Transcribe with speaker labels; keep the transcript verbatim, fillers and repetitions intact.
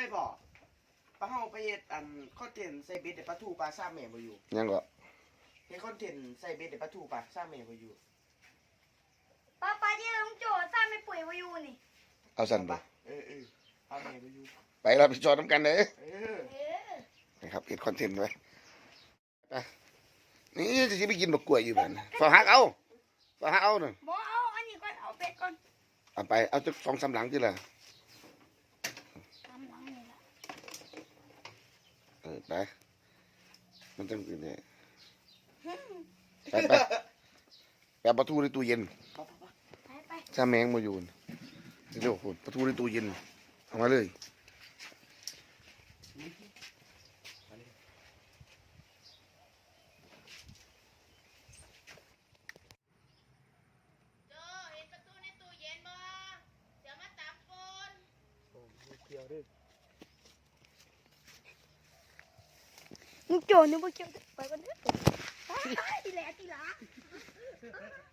Speaker 1: ยบอกปลาเฮาไปเฮ็ดอันคอนเทนต์ใส่เบ็ดเดี๋ยวปลาทูปลาซ่าแม่บ่อยู่
Speaker 2: ยังก็
Speaker 1: เฮ็ดคอนเทนต์ใส่เบ็ดเดี๋ยวปลาทูปลาซ่าแม่บ่อยู่
Speaker 3: ป้าป้าที่ลุงโจซ่าไม่ป่วยมาอยู่นี่
Speaker 2: เอาสั่นไป
Speaker 1: เออเออซ่าแม่บ่อยู่
Speaker 2: ไปเราไปจอดน้ำกันเลย
Speaker 1: เออ
Speaker 2: นะครับเฮ็ดคอนเทนต์ไว้ไปนี่จะไปกินบักกล้วยอยู่บ้านฝาหักเอาฝาหักเอาหนึ่ง
Speaker 3: บ่เอาอันนี้ก่อนเอาเป็ดก่อน
Speaker 2: เอาไปเอาจะสองสามหลังที่ละ
Speaker 3: ทำหลังนี่ละ
Speaker 2: เออไปมันต้องกินเนี่ยไปไปแปะประตูในตู้เย็น
Speaker 3: ไปไป
Speaker 2: ถ้าแมงมาอยู่เดี๋ยวคุณประตูในตู้เย็นเอามาเลย
Speaker 3: ลุงโจนึกว่าเกี่ยวไปกันเถอะไปทีแหละทีหลัง